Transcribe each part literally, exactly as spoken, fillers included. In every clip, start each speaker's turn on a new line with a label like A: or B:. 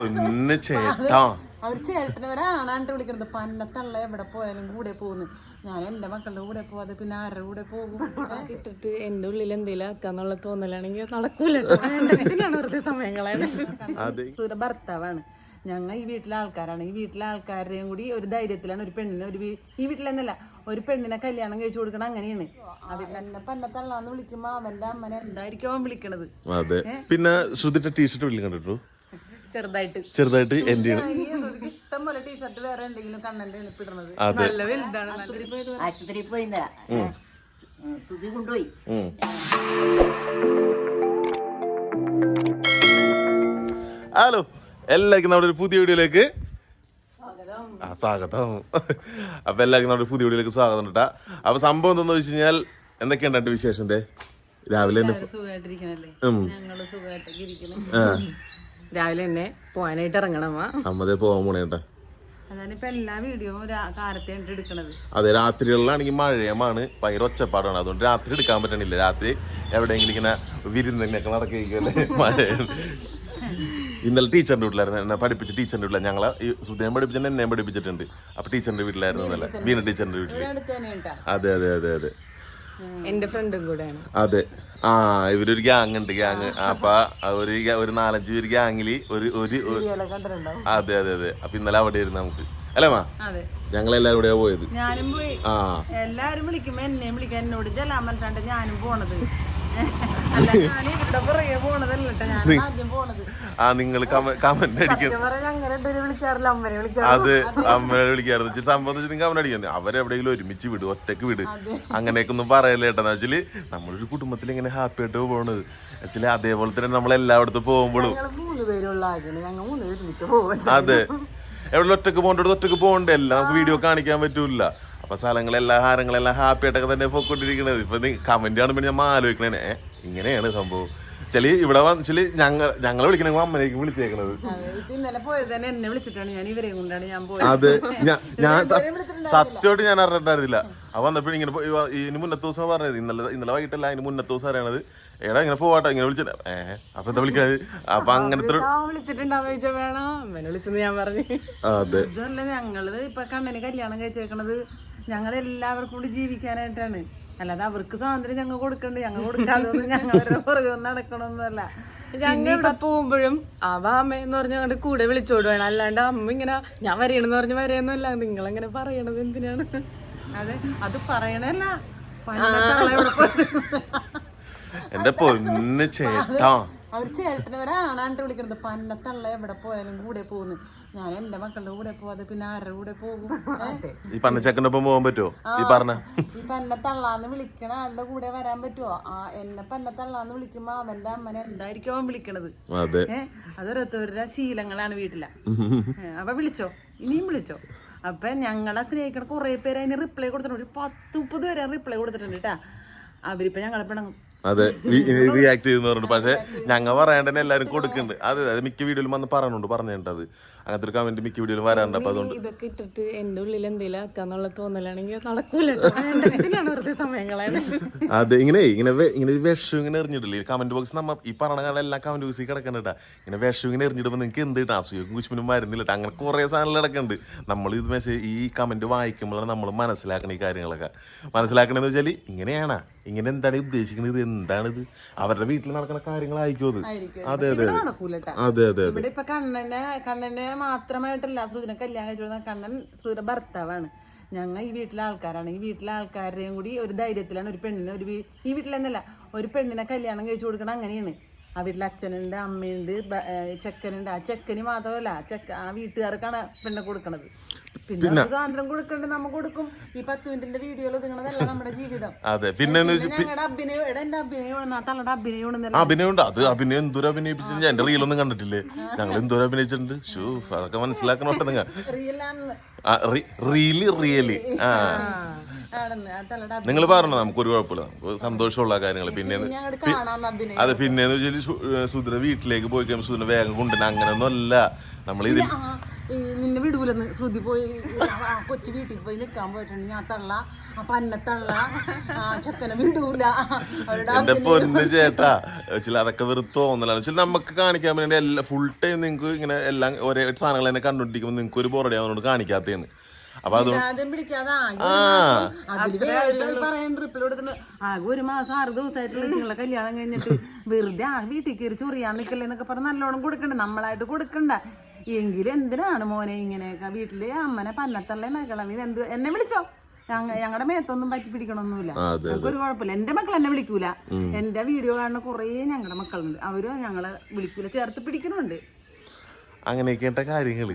A: ഒന്ന് ചേട്ടാ
B: അവർ ചേട്ടനവരാണാണ്ട് വിളിക്കണത്. പന്നത്തള്ള എവിടെ പോയാലും കൂടെ പോകുന്നു. ഞാൻ എന്റെ മക്കളുടെ കൂടെ പോവാതെ പിന്നെ ആരുടെ കൂടെ പോകും?
C: ഇട്ടിട്ട് എന്റെ ഉള്ളിൽ എന്തെങ്കിലും ആക്കാന്നുള്ള തോന്നലാണെങ്കിൽ നടക്കൂല. വെറുതെ സമയങ്ങളാണ്.
B: സൂര്യ ഭർത്താവാണ്. ഞങ്ങൾ ഈ വീട്ടിലെ ആൾക്കാരാണ്. ഈ വീട്ടിലെ ആൾക്കാരുടെയും കൂടി ഒരു ധൈര്യത്തിലാണ് ഒരു പെണ്ണിനെ ഒരു ഈ വീട്ടിലെന്നല്ല ഒരു പെണ്ണിനെ കല്യാണം കഴിച്ചു കൊടുക്കണം. അങ്ങനെയാണ്. എന്നെ പന്നത്തള്ളാന്ന് വിളിക്കുമ്പോ അവന്റെ അമ്മനെ എന്തായിരിക്കും അവൻ വിളിക്കണത്?
A: അതെ. പിന്നെ ശ്രുതിന്റെ ടീഷർട്ട് വീട്ടിൽ കണ്ടിട്ടു
C: ചെറുതായിട്ട്
A: ചെറുതായിട്ട് എന്റെ
B: ഇഷ്ടം പോലെ ടീഷർട്ട് വേറെ എന്തെങ്കിലും കണ്ണന്റെ എണിപ്പിടുന്നത്.
C: നല്ല വലുതാണ്.
D: ആശുപത്രിയിൽ പോയി സുധി കൊണ്ടുപോയി.
A: ഹലോ, എല്ലാവർക്കും നമ്മുടെ ഒരു പുതിയ വീഡിയോയിലേക്ക് ആ സ്വാഗതം. അപ്പൊ എല്ലാവർക്കും നമ്മുടെ പുതിയ വീഡിയോയിലേക്ക് സ്വാഗതം കേട്ടാ. അപ്പൊ സംഭവം എന്താന്ന് വെച്ച് കഴിഞ്ഞാൽ എന്തൊക്കെയുണ്ട് വിശേഷന്റെ? രാവിലെ
B: സുഖമായിട്ടിരിക്കണല്ലേ? ഞങ്ങള് സുഖമായിട്ടൊക്കെ ഇരിക്കണം.
C: രാവിലെ തന്നെ പോവാനായിട്ട് ഇറങ്ങണം.
A: അമ്മതേ പോവാൻ പോണേട്ടാ.
B: അതാണിപ്പോ എല്ലാ വീഡിയോയും കാലത്തെ എടുക്കണത്.
A: അതെ, രാത്രികളിലാണെങ്കിൽ മഴയമാണ്, ഭയങ്കര ഒച്ചപ്പാടാണ്. അതുകൊണ്ട് രാത്രി എടുക്കാൻ പറ്റണില്ല. രാത്രി എവിടെയെങ്കിലും ഇങ്ങനെ വിരുന്നൊക്കെ നടക്കുകയല്ലേ മഴയാണ്. ഇന്നലെ ടീച്ചറിന്റെ വീട്ടിലായിരുന്നു, എന്നെ പഠിപ്പിച്ച ടീച്ചറിന്റെ വീട്ടിലാണ്. ഞങ്ങളെ ഈ സുധേനെ പഠിപ്പിച്ചിട്ട് എന്നെയും പഠിപ്പിച്ചിട്ടുണ്ട്. അപ്പൊ ടീച്ചറിന്റെ വീട്ടിലായിരുന്നു ഇന്നലെ, വീണ ടീച്ചറിന്റെ വീട്ടില്. അതെ അതെ അതെ അതെ
C: എന്റെ ഫ്രണ്ടും കൂടെയാണ്.
A: അതെ. ആ ഇവരൊരു ഗ്യാങ് ഉണ്ട്, ഗ്യാങ്. അപ്പൊ ഒരു ഒരു നാലഞ്ച് പേര് ഗ്യാങ്ങില് ഒരു ഒരു അതെ അതെ അതെ അപ്പൊ ഇന്നലെ അവിടെ ആയിരുന്നു നമുക്ക്, അല്ലേ മാ? ഞങ്ങളെല്ലാരും കൂടെയാ പോയത്.
B: ഞാനും പോയി. ആ എല്ലാരും വിളിക്കുമ്പോ എന്നെയും വിളിക്കാൻ എന്നോട് ചെല്ലാൻ പറഞ്ഞിട്ടാണ് ഞാനും പോണത്.
A: ആ നിങ്ങൾ കമന്റ് അടിക്കുന്നത് അത് അമ്മനെ വിളിക്കാറുണ്ട്. സംഭവം വെച്ചാൽ നിങ്ങൾ കമന്റ് അടിക്കുന്നത് അവരെവിടെയെങ്കിലും ഒരുമിച്ച് വിട്, ഒറ്റക്ക് വിട്, അങ്ങനെയൊക്കെ ഒന്നും പറയല്ലേ ഏട്ടാന്ന് വെച്ചാല് നമ്മളൊരു കുടുംബത്തിൽ ഇങ്ങനെ ഹാപ്പി ആയിട്ട് പോകണത് വെച്ചാല് അതേപോലെ തന്നെ നമ്മൾ എല്ലായിടത്തും പോകുമ്പോഴും അതെ എവിടെ ഒറ്റക്ക് പോകേണ്ടത് ഒറ്റക്ക് പോകണ്ടല്ല, നമുക്ക് വീഡിയോ കാണിക്കാൻ പറ്റൂല. അപ്പൊ സ്ഥലങ്ങളെല്ലാം ഹാരങ്ങളെല്ലാം ഹാപ്പി ആയിട്ടൊക്കെ തന്നെ പോയിക്കൊണ്ടിരിക്കണത്. ഇപ്പൊ കമന്റ് കാണുമ്പോൾ ഞാൻ ആലോചിക്കണേ ഇങ്ങനെയാണ് സംഭവം. ചെലി ഇവിടെ വന്നില് ഞങ്ങൾ ഞങ്ങളെ വിളിക്കണ അമ്മനേക്ക് വിളിച്ചേക്കണത്.
B: ഇന്നലെ പോയത് തന്നെ എന്നെ വിളിച്ചിട്ടാണ്, ഞാൻ ഇവരെയും കൊണ്ടാണ് ഞാൻ പോയത്.
A: അതെ, ഞാൻ സത്യമായിട്ട് ഞാൻ അറിഞ്ഞിട്ടുണ്ടായിരുന്നില്ല. അപ്പൊ വന്നപ്പോഴും ഇങ്ങനെ ഇതിന് മുന്നത്തെ ദിവസം പറഞ്ഞത്, ഇന്നലെ ഇന്നലെ വൈകിട്ടല്ല അതിന് മുന്നത്തെ ദിവസം അറിയണത്. എടാ ഇങ്ങനെ പോവാട്ടെ ഇങ്ങനെ വിളിച്ചിട്ട് ഏഹ് അപ്പൊ എന്താ വിളിക്കാത്? അപ്പൊ അങ്ങനത്തെ അതെ.
B: ഇതല്ല ഞങ്ങള് ഇപ്പൊ കണ്ണന് കല്യാണം കഴിച്ചേക്കണത് ഞങ്ങൾ എല്ലാവർക്കും കൂടി ജീവിക്കാനായിട്ടാണ്. അല്ലാതെ അവർക്ക് സ്വാതന്ത്ര്യം ഞങ്ങൾ കൊടുക്കണ്ട്, ഞങ്ങൾ കൊടുക്കാതൊന്നും ഞങ്ങളുടെ പുറകെ ഒന്നും നടക്കണമെന്നല്ല.
C: ഞങ്ങൾ ഇവിടെ പോകുമ്പോഴും അവ അമ്മയെന്ന് പറഞ്ഞ ഞങ്ങളുടെ കൂടെ വിളിച്ചോടുവാണ്. അല്ലാണ്ട് അമ്മ ഇങ്ങനെ ഞാൻ വരണമെന്ന് പറഞ്ഞ് വരെയൊന്നുമല്ല. നിങ്ങളെങ്ങനെ പറയണത് എന്തിനാണ്?
B: അതെ, അത് പറയണല്ല.
A: എന്റെ പൊന്ന് ചേട്ടാ,
B: അവർ ചേട്ടനവരാണാണ്ട് വിളിക്കണത്. പന്നത്തള്ള എവിടെ പോയാലും കൂടെ പോകുന്നു. ഞാൻ എന്റെ മക്കളുടെ കൂടെ പോവാതെ പിന്നെ ആരുടെ കൂടെ പോകും?
A: ഈ പന്നച്ചക്കൻ്റെ ഒപ്പം പോകാൻ പറ്റുമോ? ഈ പറഞ്ഞ
B: ഈ പന്നത്തള്ളാന്ന് വിളിക്കണ ആളുടെ കൂടെ വരാൻ പറ്റുമോ? ആ എന്നെ പന്നത്തള്ളാന്ന് വിളിക്കുമ്പോ അവന്റെ അമ്മനെ എന്തായിരിക്കും അവൻ വിളിക്കണത്? ഏഹ് അതൊരോരുത്തരുടെ ശീലങ്ങളാണ് വീട്ടില. അപ്പൊ വിളിച്ചോ, ഇനിയും വിളിച്ചോ. അപ്പൊ ഞങ്ങളെ സ്നേഹിക്കണ കുറെ പേര് അതിന് റിപ്ലൈ കൊടുത്തിട്ടുണ്ട്. ഒരു പത്ത് മുപ്പത് പേരെ റിപ്ലൈ കൊടുത്തിട്ടുണ്ട് കേട്ടാ. അവരിപ്പോ ഞങ്ങളെ പിണങ്ങും.
A: അതെ, റിയാക്ട് ചെയ്തെന്ന് പറഞ്ഞിട്ട്. പക്ഷെ ഞങ്ങൾ പറയാണ്ട് തന്നെ എല്ലാവരും കൊടുക്കുന്നുണ്ട്. അതെ അതെ, മിക്ക വീഡിയോയിലും വന്ന് പറഞ്ഞുണ്ട് പറഞ്ഞിട്ടത് അങ്ങനത്തെ ഒരു കമന്റ് മിക്ക വീഡിയോയിലും വരാറുണ്ട്. അപ്പൊ അതുകൊണ്ട്
C: ഇതൊക്കെ ഇട്ടിട്ട് എന്റെ ഉള്ളിൽ എന്തെങ്കിലും ആക്കാന്നുള്ള തോന്നലാണെങ്കിൽ നടക്കൂല. വെറുതെ സമയങ്ങളാണ്.
A: അതെ, ഇങ്ങനെ ഇങ്ങനെ ഇങ്ങനെ ഒരു വിഷം ഇങ്ങനെ എറിഞ്ഞിട്ടില്ലേ കമന്റ് ബോക്സ്? നമ്മ ഈ പറഞ്ഞ കാലം എല്ലാ കമന്റ് ബോക്സിൽ കിടക്കണ്ടാ. ഇങ്ങനെ വിഷം ഇങ്ങനെ എറിഞ്ഞിടുമ്പോ നിങ്ങൾക്ക് എന്ത് കിട്ടാ? അസൂയക്കും കുശ്മിനും വരുന്നില്ല. അങ്ങനെ കുറെ സാധനങ്ങൾ കിടക്കുന്നുണ്ട്. നമ്മൾ ഇത് മെസ്സേജ് ഈ കമന്റ് വായിക്കുമ്പോഴാണ് നമ്മൾ മനസ്സിലാക്കണ ഈ കാര്യങ്ങളൊക്കെ. മനസ്സിലാക്കണെന്ന് വെച്ചാല് ഇങ്ങനെയാണ്, ഇങ്ങനെ എന്താണ് ഉദ്ദേശിക്കുന്നത്, എന്താണിത്, അവരുടെ വീട്ടിൽ നടക്കുന്ന കാര്യങ്ങളായിരിക്കും അത്. അതെ അതെ അതെ അതെ
B: ഇവിടെ ഇപ്പൊ കണ്ണനെ കണ്ണനെ മാത്രമായിട്ടല്ല ശ്രുതിനെ കല്യാണം കഴിച്ചു. കണ്ണൻ ശ്രുതിയുടെ ഭർത്താവാണ്. ഞങ്ങൾ ഈ വീട്ടിലെ ആൾക്കാരാണ്. ഈ വീട്ടിലെ ആൾക്കാരുടെയും കൂടി ഒരു ധൈര്യത്തിലാണ് ഒരു പെണ്ണിനെ ഒരു ഈ വീട്ടിലെന്നല്ല ഒരു പെണ്ണിനെ കല്യാണം കഴിച്ചു കൊടുക്കണം. അങ്ങനെയാണ്. ആ വീട്ടിൽ അച്ഛനുണ്ട്, അമ്മയുണ്ട്, ചെക്കനുണ്ട്. ആ ചെക്കന് മാത്രമല്ല ചെക്ക ആ വീട്ടുകാർക്കാണ് പെണ്ണെ കൊടുക്കണത്. പിന്നെ സ്വാതന്ത്ര്യം കൊടുക്കണ്ട്, നമ്മ കൊടുക്കും. ഈ പത്ത് മിനിറ്റിന്റെ വീഡിയോയിൽ നിങ്ങളതല്ല നമ്മുടെ ജീവിതം.
A: അതെ, പിന്നെ
B: ഞങ്ങളുടെ അഭിനയം എന്റെ അഭിനയം തങ്ങളുടെ അഭിനയം
A: അഭിനയമുണ്ട്. അത് അഭിനയം എന്തോരം അഭിനയിപ്പിച്ചിട്ടുണ്ട്. എന്റെ റീലൊന്നും കണ്ടിട്ടില്ലേ? ഞങ്ങൾ എന്തോരം അഭിനയിച്ചിട്ടുണ്ട്. ഷൂ, അതൊക്കെ മനസ്സിലാക്കണോട്ടെ നിങ്ങൾ. റീല് റിയലി ആ നിങ്ങൾ പറഞ്ഞു, നമുക്കൊരു കുഴപ്പമില്ല, നമുക്ക് സന്തോഷമുള്ള കാര്യങ്ങൾ. പിന്നെ അതെ, പിന്നെന്ന് വെച്ചാൽ സുധര വീട്ടിലേക്ക് പോയി കഴിയുമ്പോൾ സുധര വേഗം കൊണ്ടുവരുന്ന അങ്ങനെയൊന്നും അല്ല നമ്മൾ ഇതിൽ.
B: ഈ നിന്നെ വിടൂലെന്ന് ശ്രുതി പോയി ആ കൊച്ചു വീട്ടിൽ പോയി നിൽക്കാൻ പോയിട്ടുണ്ട് ഞാൻ തള്ള ആ പന്നത്തള്ള ആ ചെക്കനെ വിടൂല അവരുടെ
A: എന്റെ പൊന്ന് ചേട്ടാ ചില അതൊക്കെ വെറുതെ തോന്നലാണ് ചില നമുക്ക് കാണിക്കാൻ വേണ്ടി എല്ലാ ഫുൾ ടൈം നിങ്ങൾക്ക് ഇങ്ങനെ എല്ലാം ഒരേ സാധനങ്ങൾ തന്നെ കണ്ടുപിടിക്കുമ്പോൾ നിങ്ങൾക്ക് ഒരു ബോറടി ആവുന്നതുകൊണ്ട് കാണിക്കാത്തതാണ്. അപ്പൊ അത്
B: ആദ്യം പിടിക്കാതെ അതില് പറയാൻ ട്രിപ്പിൽ കൊടുത്തിട്ട് ആകെ ഒരു മാസം ആറ് ദിവസമായിട്ടുള്ള നിങ്ങളെ കല്യാണം കഴിഞ്ഞിട്ട് വെറുതെ ആ വീട്ടിൽ കയറി ചൊറിയാൻ നിൽക്കല്ലേ എന്നൊക്കെ പറഞ്ഞ് നല്ലോണം കൊടുക്കണ്ട, നമ്മളായിട്ട് കൊടുക്കണ്ട. എങ്കിലും എന്തിനാണ് മോനെ ഇങ്ങനെയൊക്കെ വീട്ടില് അമ്മനെ പന്നത്തള്ളേ മകളെ ഇത് എന്ത് എന്നെ വിളിച്ചോ, ഞങ്ങളുടെ മേത്തൊന്നും പറ്റി പിടിക്കണമൊന്നുമില്ല, ഒരു കുഴപ്പമില്ല. എന്റെ മക്കൾ എന്നെ വിളിക്കൂല, എന്റെ വീഡിയോ കാണുന്ന കുറേ ഞങ്ങളുടെ മക്കളുണ്ട്, അവരും ഞങ്ങളെ വിളിക്കൂല, ചേർത്ത് പിടിക്കണുണ്ട്.
A: അങ്ങനെയൊക്കെ കാര്യങ്ങള്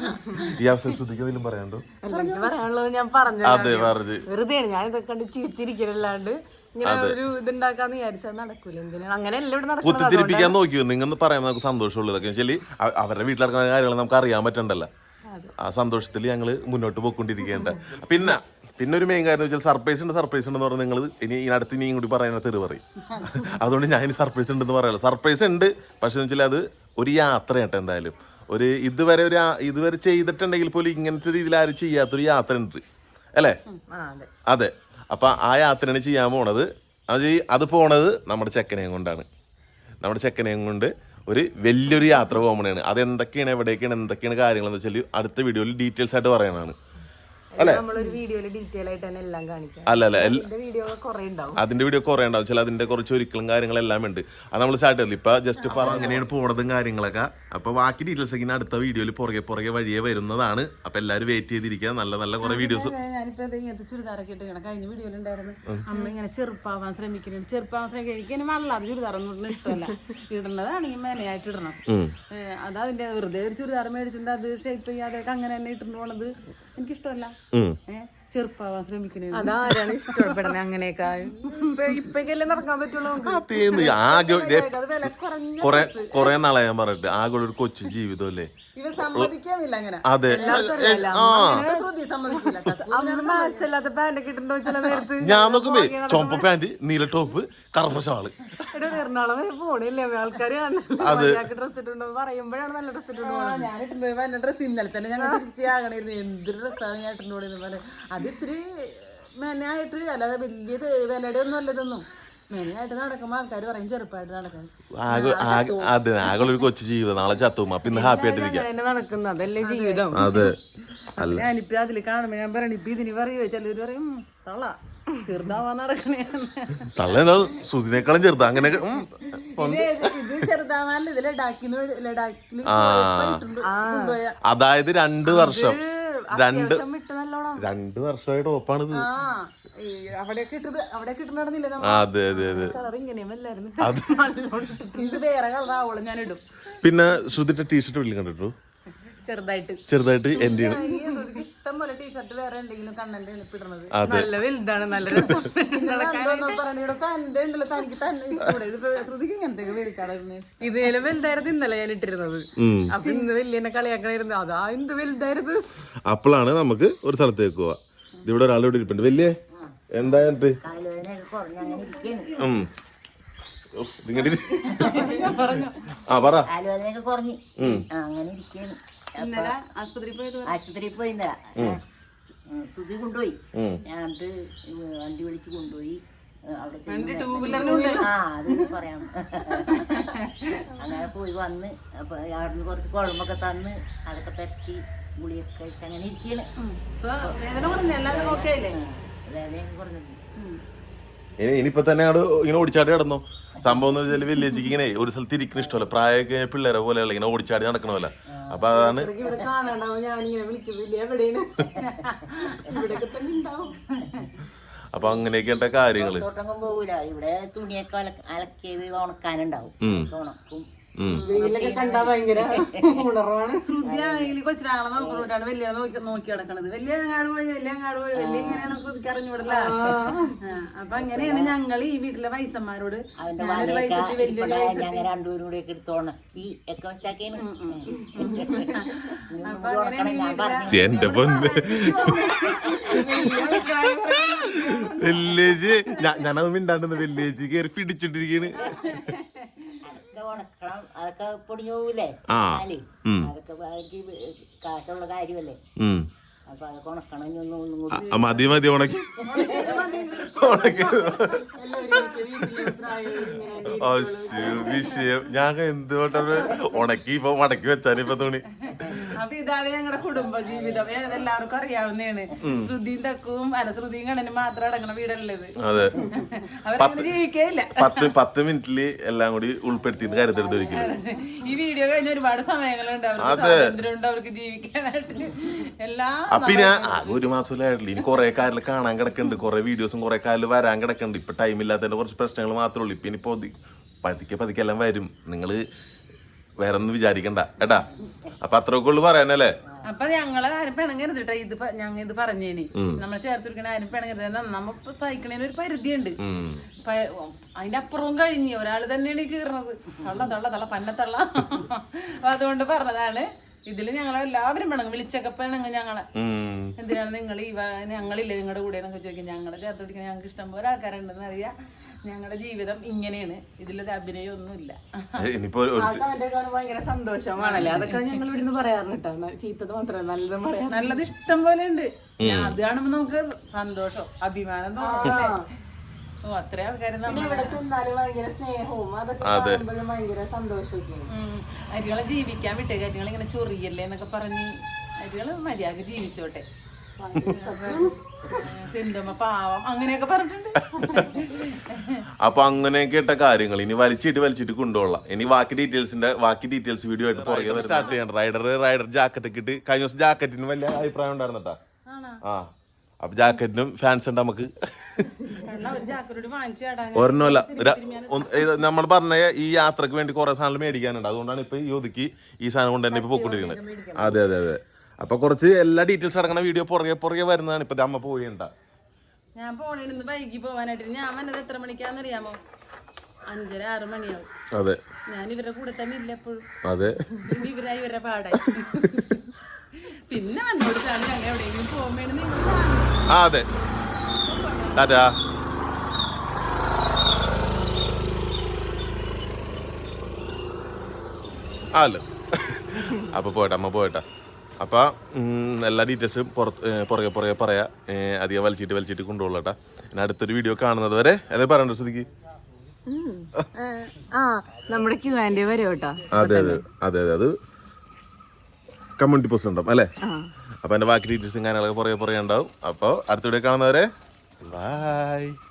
A: ഈ അവസരം ശ്രദ്ധിക്കുന്നതിലും പറയാണ്ടോ?
C: എനിക്ക് പറയാനുള്ളത് ഞാൻ പറഞ്ഞു.
A: അതെ പറഞ്ഞു
C: വെറുതെ ഞാൻ ഇതൊക്കെ കണ്ട് ചിരിച്ചിരിക്കലല്ലാണ്ട് ഇങ്ങനെ ഒരു ഇതുണ്ടാക്കാന്ന് വിചാരിച്ചാൽ നടക്കൂല. എന്തിനാണ് അങ്ങനെ എല്ലാം ഇവിടെ നടക്കുന്നത്?
A: കുത്തിത്തിരിപ്പിക്കാൻ നോക്കിയോ നിങ്ങൾ പറയാൻ നമുക്ക് സന്തോഷമുള്ളൂ. ഇതൊക്കെ വെച്ചാൽ അവരുടെ വീട്ടിൽ നടക്കുന്ന കാര്യങ്ങൾ നമുക്ക് അറിയാൻ പറ്റണ്ടല്ലോ. ആ സന്തോഷത്തിൽ ഞങ്ങൾ മുന്നോട്ട് പോയിക്കൊണ്ടിരിക്കേണ്ട. പിന്നെ പിന്നെ ഒരു മെയിൻ കാര്യം വെച്ചാൽ സർപ്രൈസ് ഉണ്ട് സർപ്രൈസ് ഉണ്ടെന്ന് പറഞ്ഞാൽ നിങ്ങൾ ഇനി ഇതിനടുത്ത് ഇനിയും കൂടി പറയുന്ന തെറി പറയും. അതുകൊണ്ട് ഞാൻ ഇനി സർപ്രൈസ് ഉണ്ടെന്ന് പറയാമല്ലോ. സർപ്രൈസ് ഉണ്ട്, പക്ഷെ വെച്ചാൽ അത് ഒരു യാത്രയാട്ടെ. എന്തായാലും ഒരു ഇതുവരെ ഒരു ഇതുവരെ ചെയ്തിട്ടുണ്ടെങ്കിൽ പോലും ഇങ്ങനത്തെ രീതിയിൽ ആരും ചെയ്യാത്തൊരു യാത്ര ഉണ്ട് അല്ലേ? അതെ. അപ്പം ആ യാത്രയാണ് ചെയ്യാൻ പോണത്. അത് അത് പോണത് നമ്മുടെ ചെക്കനെയും കൊണ്ടാണ്. നമ്മുടെ ചെക്കനെയും കൊണ്ട് ഒരു വലിയൊരു യാത്ര പോകുമ്പോഴാണ്. അതെന്തൊക്കെയാണ്, എവിടേക്കാണ്, എന്തൊക്കെയാണ് കാര്യങ്ങളെന്ന് വെച്ചാൽ അടുത്ത വീഡിയോയിൽ ഡീറ്റെയിൽസ് ആയിട്ട് പറയണതാണ്.
C: നമ്മളൊരു വീഡിയോയില് ഡീറ്റെയിൽ ആയിട്ട് തന്നെ എല്ലാം കാണിക്കാം.
A: അല്ല അല്ല
C: വീഡിയോ കുറെ ഉണ്ടാവും.
A: അതിന്റെ വീഡിയോ കുറെ ഉണ്ടാവും. ചില അതിന്റെ കുറച്ച് ഒരിക്കലും കാര്യങ്ങളെല്ലാം ഉണ്ട്. അത് നമ്മൾ സ്റ്റാർട്ട് ചെയ്തില്ല. ഇപ്പൊ ജസ്റ്റ് പറ അങ്ങനെയാണ് പോണതും കാര്യങ്ങളൊക്കെ. അപ്പൊ ബാക്കി ഡീറ്റെയിൽസ് ഒക്കെ അടുത്ത വീഡിയോയിൽ പുറകെ പുറകെ വഴിയെ വരുന്നതാണ്. അപ്പൊ എല്ലാവരും വെയിറ്റ് ചെയ്തിരിക്കുക. നല്ല നല്ല കുറെ വീഡിയോസ്.
B: ഞാനിപ്പോ ഇങ്ങനത്തെ ചുരിദാറൊക്കെ ഇട്ട് കഴിഞ്ഞ വീഡിയോയിലുണ്ടായിരുന്നു അമ്മ ഇങ്ങനെ ചെറുപ്പാവാൻ ശ്രമിക്കുന്നുണ്ട്. ചെറുപ്പാവാൻ ശ്രമിക്കുക എനിക്ക് ഇങ്ങനെ വല്ലാതെ ചുരിദാറൊന്നും ഇഷ്ടമല്ല. ഇടുന്നതാണെങ്കിൽ മേനയായിട്ട് ഇടണം. അത് അതിന്റെ വെറുതെ ഒരു ചുരിദാർ മേടിച്ചിട്ടുണ്ട് അത് ഷേപ്പ് ചെയ്യാതെയൊക്കെ അങ്ങനെ തന്നെ ഇട്ടിട്ട് പോണത് എനിക്കിഷ്ടമല്ല. ചെറുപ്പാവാൻ ശ്രമിക്കുന്നത്
C: അതാരാണ് ഇഷ്ടപ്പെടുന്നത്? അങ്ങനെയൊക്കെ ഇപ്പൊക്കെല്ലേ നടക്കാൻ പറ്റുള്ളൂ.
A: കൊറേ കൊറേ നാളെ ഞാൻ പറഞ്ഞിട്ട് ആകെ ഒരു കൊച്ചു ജീവിതം അല്ലേ? അതെ. ഞാൻ നോക്കുമ്പോ ചുമപ്പ പാന്റ്, നീല ടോപ്പ്, കറുപ്പ ഷാള്.
C: എറണാകുളം പോണില്ലേ ആൾക്കാര് ഡ്രസ് ഇട്ടുണ്ടോ പറയുമ്പോഴാണ് നല്ല ഡ്രസ് ഇട്ടുണ്ടോ.
B: ഞാൻ ഇട്ടുണ്ടോ ഡ്രസ് ഇന്നലെ തന്നെ ഞങ്ങൾ തിരിച്ചാകണായിരുന്നു. എന്തൊരു ഡ്രസ്സാണ് ഞാൻ ഇട്ടുണ്ടോന്ന് പോലെ. അത് ഇത്തിരി മെനയായിട്ട് അല്ലാതെ വലിയത് വിലയുടെ ഒന്നും അല്ലതൊന്നും. മെനയായിട്ട് നടക്കുമ്പോ ആൾക്കാർ പറയും ചെറുപ്പമായിട്ട് നടക്കണം.
A: അതെ, ആകെ ഒരു കൊച്ചു ജീവിതം. നാളെ ചത്തും. അപ്പൊ ഇന്ന് ഹാപ്പി ആയിട്ടിരിക്കാം
C: നടക്കുന്നത്. അതല്ലേ ജീവിതം.
A: അതെ.
B: ഞാനിപ്പ അതില് കാണുമ്പോ ഞാൻ പറയണ ഇപ്പൊ ഇതിന് പറയുവോ ചിലര് പറയും തള്ള ചെറുതാവാൻ നടക്കണേ.
A: തള്ള സുധിനേക്കാളും ചെറുതാ. അങ്ങനെ
B: ഇത് ചെറുതാവാനല്ല, ഇത് ലഡാക്കിന്ന് ലഡാക്കിൽ
A: അതായത് രണ്ട് വർഷം രണ്ട് രണ്ട് വർഷമായിട്ട് ടോപ്പാണിത്.
B: അവിടെയൊക്കെ ഇട്ടത് അവിടെയൊക്കെ ഇട്ട് നടന്നില്ലേ?
A: അതെ അതെ അതെ.
B: ഇത് വേറെ കളറാവോളൂ ഞാൻ ഇടും.
A: പിന്നെ ശ്രുതിന്റെ ടീഷർട്ട് വീട്ടിൽ കണ്ടിട്ടു
C: ചെറുതായിട്ട്
A: ചെറുതായിട്ട് എന്റെ
B: ഇഷ്ടം പോലെ ടീഷർട്ട് വേറെ എന്തെങ്കിലും കണ്ണന്റെ എളുപ്പിടുന്നത്.
C: നല്ല വലുതാണ്, നല്ല ഇതിലും വലുതായിരുന്നു ഇന്നലെ ഞാൻ ഇട്ടിരുന്നത്. അപ്പൊ ഇന്ന് വലിയ എന്നെ കളിയാക്കണായിരുന്നു. അതാ എന്ത് വലുതായിരുന്നു.
A: അപ്പോഴാണ് നമുക്ക് ഒരു സ്ഥലത്തേക്ക് പോവാ. ഇവിടെ ഒരാളിവിടെ ഇരിപ്പുണ്ട്. വലിയ എന്തായിട്ട് ആ പറ.
D: അങ്ങനെ ഇരിക്കുന്നു. ആശുപത്രിയിൽ പോയി ശ്രുതി കൊണ്ടുപോയി. ഞാനത് വണ്ടി വിളിച്ച് കൊണ്ടുപോയി. അവിടെ ആ അത് പറയാം. അങ്ങനെ പോയി വന്ന് അപ്പൊ അവിടുന്ന് കുറച്ച് കുഴമ്പൊക്കെ തന്ന് അതൊക്കെ പറ്റി ഗുളിയൊക്കെ കഴിച്ച് അങ്ങനെ ഇരിക്കണ്. വേദന കുറഞ്ഞത്.
A: ഇനിയിപ്പൊ തന്നെ അവിടെ ഇങ്ങനെ ഓടിച്ചാടി കിടന്നോ? സംഭവം എന്ന് വെച്ചാൽ വില്ലേജിക്ക് ഇങ്ങനെ ഒരു സ്ഥലത്ത് ഇരിക്കുന്ന ഇഷ്ടമല്ല. പ്രായമൊക്കെ പിള്ളേരെ പോലെയുള്ള ഇങ്ങനെ ഓടിച്ചാടി നടക്കണമല്ല. അപ്പൊ അതാണ് അപ്പൊ അങ്ങനെയൊക്കെ കാര്യങ്ങള്.
D: പോകൂല. ഇവിടെ തുണിയൊക്കെ അലക്കിയത് ഉണക്കാനുണ്ടാവും. ഉണക്കും.
C: വെയിലൊക്കെ കണ്ടാ ഭയങ്കര ഉണർവാണ്.
B: ശ്രുതിയാണെങ്കിൽ കൊച്ചിനാളെ നോക്കിക്കൊണ്ടാണ് വലിയ നോക്കി നോക്കി നടക്കണത്. വലിയ അങ്ങാട് പോയി വലിയ അങ്ങാട് പോയി വലിയ ഇങ്ങനെയാണ് ശ്രുതിക്ക് അറിഞ്ഞൂടല്ല. അപ്പൊ അങ്ങനെയാണ് ഞങ്ങൾ ഈ വീട്ടിലെ വയസ്സന്മാരോട്
D: ഞങ്ങൾ രണ്ടുപേരും കൂടെ ഒക്കെ എടുത്ത് ഉണക്കി ഒക്കെ വെച്ചാക്കിയാണ്.
A: എന്റെ പൊന്ന് വില്ലേജ് ഞാനത് മിണ്ടാണ്ടെന്ന് വില്ലേജ് കയറി പിടിച്ചിട്ടിരിക്കണ്.
D: ഉണക്കണം. അത് അതൊക്കെ പൊടിഞ്ഞു പോകൂലേ
A: ആ.
D: പാല്
A: ഉം.
D: അതൊക്കെ എനിക്ക് കാശുള്ള കാര്യമല്ലേ
A: ഉം.
D: അപ്പൊ അതൊക്കെ ഉണക്കണം ഇനി ഒന്നും ഒന്നും കൂടി
A: ആ, മതി മതി ഉണക്കി ഉണക്കി അശ്ശോ, വിഷയം ഞാൻ എന്തുകൊണ്ടത് ഉണക്കി ഇപ്പൊ മടക്കി വെച്ചാൽ ഇപ്പൊ തുണി.
B: അപ്പൊ ഇതാണ് ഞങ്ങളുടെ കുടുംബ ജീവിതം. ഏ, എല്ലാവർക്കും അറിയാവുന്നതാണ്. ശ്രുതിയും തക്കവും അല്ല ശ്രുതിയും കണ്ണനും മാത്രം അടങ്ങണ വീടുള്ളത്.
A: അതെ,
B: അവരങ്ങനെ ജീവിക്കേയില്ല.
A: പത്ത് പത്ത് മിനിറ്റില് എല്ലാം കൂടി ഉൾപ്പെടുത്തി കരുതരുത് ഒരിക്കലും.
B: ഈ വീഡിയോ കഴിഞ്ഞ ഒരുപാട് സമയങ്ങളുണ്ട് അവർക്ക് സ്വാതന്ത്ര്യമുണ്ട് അവർക്ക് ജീവിക്കാനായിട്ട് എല്ലാ.
A: അപ്പൊ ഞാൻ ആകെ ഒരു മാസത്തിലായിട്ടില്ല. ഇനി കുറെ കാലിൽ കാണാൻ കിടക്കുന്നുണ്ട്, കുറെ വീഡിയോസും കുറെ കാലിൽ വരാൻ കിടക്കുന്നുണ്ട്. ഇപ്പൊ ടൈം ഇല്ലാത്തതിന്റെ കുറച്ച് പ്രശ്നങ്ങൾ മാത്രമേ ഉള്ളൂ. ഇപ്പൊ ഇനി പതുക്കെ പതുക്കെ എല്ലാം വരും. നിങ്ങള് വേറെ ഒന്നും വിചാരിക്കണ്ട കേട്ടാ. അപ്പൊ അത്രയൊക്കെ ഉള്ളു പറയാനല്ലേ.
B: അപ്പൊ ഞങ്ങളെ ആരും പിണങ്ങരുത് കേട്ടോ. ഇത് ഞങ്ങൾ ഇത് പറഞ്ഞേന് നമ്മളെ ചേർത്തിരിക്കണ ആരും പിണങ്ങരുത്. നമ്മ സഹിക്കണേന് ഒരു പരിധിയുണ്ട്. അതിന്റെ അപ്പുറവും കഴിഞ്ഞ് ഒരാൾ തന്നെയാണ് ഈ കീറണത്. തള്ള തള്ള തള്ള പന്നത്തള്ള. അപ്പൊ അതുകൊണ്ട് പറഞ്ഞതാണ്. ഇതില് ഞങ്ങളെ എല്ലാവരും പിണങ്ങും. വിളിച്ചൊക്കെ പിണങ്ങും ഞങ്ങളെ. എന്തിനാണ് നിങ്ങൾ ഈ ഞങ്ങളില്ലേ നിങ്ങളുടെ കൂടെ എന്നൊക്കെ ചോദിക്കും. ഞങ്ങളെ ചേർത്ത് പിടിക്കാൻ ഞങ്ങൾക്ക് ഇഷ്ടം പോലെ ആൾക്കാരുണ്ടെന്ന് അറിയാം. ഞങ്ങളുടെ ജീവിതം ഇങ്ങനെയാണ്. ഇതിലൊരു അഭിനയം ഒന്നുമില്ല.
C: ഭയങ്കര സന്തോഷമാണല്ലേ. അതൊക്കെ ഞങ്ങൾ ഇവിടുന്ന് പറയാറുണ്ട്. ചീത്തത് മാത്രമല്ല നല്ലതും പറയാം.
B: നല്ലത് ഇഷ്ടം പോലെ ഉണ്ട്. അത് കാണുമ്പോ നമുക്ക് സന്തോഷം അഭിമാനം തോന്നില്ലേ. ഓ അത്ര ആൾക്കാര്
C: ഇവിടെ ചെന്നാലും ഭയങ്കര സ്നേഹവും അതൊക്കെ കാണുമ്പോഴും ഭയങ്കര സന്തോഷമൊക്കെ.
B: അരികളെ ജീവിക്കാൻ വിട്ടേ. അരികൾ ഇങ്ങനെ ചൊറിയല്ലേ എന്നൊക്കെ പറഞ്ഞ് അരികള് മര്യാദ ജീവിച്ചോട്ടെ. സിന്ധുമ്മ പാവം അങ്ങനെയൊക്കെ പറഞ്ഞിട്ടുണ്ട്.
A: അപ്പൊ അങ്ങനെയൊക്കെ ഇട്ട കാര്യങ്ങൾ ഇനി വലിച്ചിട്ട് വലിച്ചിട്ട് കൊണ്ടുപോകാം. ഇനി ബാക്കി ഡീറ്റെയിൽസിന്റെ ബാക്കി ഡീറ്റെയിൽസ് വീഡിയോ ആയിട്ട് പുറകെ സ്റ്റാർട്ട് ചെയ്യണം. റൈഡർ റൈഡർ ജാക്കറ്റ് ഒക്കെ ഇട്ട് കഴിഞ്ഞ ദിവസം ജാക്കറ്റിന് വലിയ അഭിപ്രായം ഉണ്ടായിരുന്നട്ടാ. ആ അപ്പൊ ജാക്കറ്റിനും ഫാൻസ് ഉണ്ട് നമുക്ക്. ഒരെണ്ണമല്ല, നമ്മൾ പറഞ്ഞ ഈ യാത്രക്ക് വേണ്ടി കുറെ സാധനങ്ങൾ മേടിക്കാനുണ്ട്. അതുകൊണ്ടാണ് ഇപ്പൊ ഈ ഒതുക്കി ഈ സാധനം കൊണ്ട് തന്നെ ഇപ്പൊ പൊക്കൊണ്ടിരിക്കുന്നത്. അതെ അതെ അതെ. അപ്പൊ കുറച്ച് എല്ലാ ഡീറ്റെയിൽസ് അടങ്ങുന്ന വീഡിയോ പുറകെ പുറകെ വരുന്നതാണ്. ഇപ്പൊ അമ്മ പോയിണ്ട.
B: ഞാൻ പോണേന്ന് വൈകി പോവാനായിട്ട്. ഞാൻ വന്നത് എത്ര മണിക്കാന്നറിയാമോ? അഞ്ചര ആറ് മണിയാവും.
A: അതെ,
B: ഞാൻ ഇവരുടെ കൂടെ തന്നെ ഇല്ല എപ്പോഴും.
A: അതെ,
B: പിന്നെ ഇവരായി ഇവരുടെ പാടായി. പിന്നെ അന്നോട് ഞങ്ങൾ എവിടെയെങ്കിലും പോകുമ്പോഴാണ് നിങ്ങൾ.
A: ആ അതെ, ടാറ്റാ. അല്ലോ അപ്പൊ പോയിട്ടാ അമ്മ പോയിട്ടാ. അപ്പൊ എല്ലാ ഡീറ്റെയിൽസും പുറത്ത് പുറകെ പുറകെ പറയാ. അധികം വലിച്ചിട്ട് വലിച്ചിട്ട് കൊണ്ടുപോകട്ടാ. പിന്നെ അടുത്തൊരു വീഡിയോ കാണുന്നത് വരെ അതെ പറയണ്ടോ ശ്രുതിക്ക്?
C: നമ്മുടെ ക്യൂ ആൻഡ് വരും കേട്ടോ.
A: അതെ അതെ അതെ അതെ അത് കമ്മ്യൂണിറ്റി പോസ്റ്റ് ഉണ്ടാവും അല്ലേ. അപ്പൊ എന്റെ ബാക്കി ഡീറ്റെയിൽസും കാര്യങ്ങളൊക്കെ പുറകെ പുറകെ ഉണ്ടാവും. അപ്പോൾ അടുത്ത വീഡിയോ കാണുന്നവരെ ബൈ.